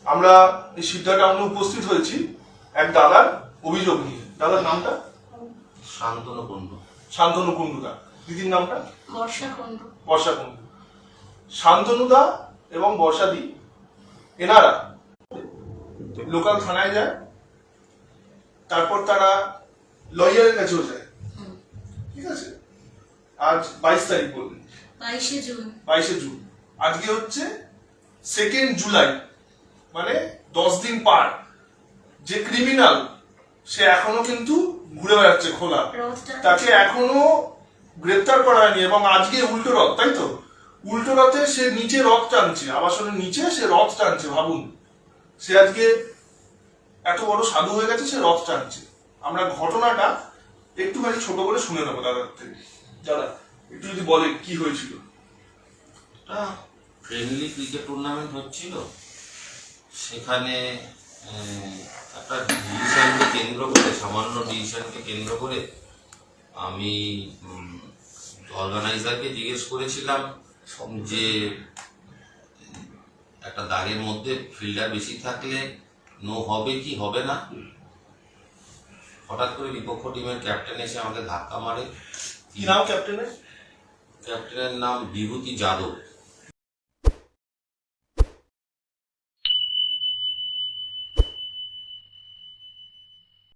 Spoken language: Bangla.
আমরা এই সিদ্ধা টাউনে উপস্থিত হয়েছি এক দাদার অভিযোগ নিয়ে। দাদার নামটা? শান্তনু কুণ্ডু। শান্তনু কুণ্ডুদা। দিদির নামটা? বর্ষা কুণ্ডু। বর্ষা কুণ্ডু। শান্তনুদা এবং বর্ষাদি এনারা লোকাল থানায় যায়, তারপর তারা লয়ারের কাছেও যায়। ঠিক আছে, আজ 22 তারিখ বললেন, 22শে জুন। 22শে জুন। আজকে হচ্ছে 2 জুলাই, মানে 10 দিন পার। যে ক্রিমিনাল সে এখনো কিন্তু ঘুরে বেড়াচ্ছে খোলা, তাকে এখনো গ্রেপ্তার করা হয়নি। এবং আজকে উল্টো রথ, তাই তো? উল্টো রথে সে নিচে রথ টানছে, আবাসনের নিচে সে রথ টানছে। ভাবুন, সে আজকে এত বড় সাধু হয়ে গেছে, সে রথ টানছে। আমরা ঘটনাটা একটুখানি ছোট করে শুনে নেবো দাদার থেকে। দাদা একটু যদি বলে কি হয়েছিল। ফ্রেন্ডলি ক্রিকেট টুর্নামেন্ট হচ্ছিল, সেখানে একটা ডিসিশনকে কেন্দ্র করে, সামান্য ডিসিশনকে কেন্দ্র করে আমি অর্গানাইজারকে জিজ্ঞেস করেছিলাম যে একটা দাগের মধ্যে ফিল্ডার বেশি থাকলে নো হবে কি হবে না। হঠাৎ করে বিপক্ষ টিমের ক্যাপ্টেন এসে আমাকে ধাক্কা মারে। কি নাম ক্যাপ্টেনের? ক্যাপ্টেনের নাম বিভূতি যাদব।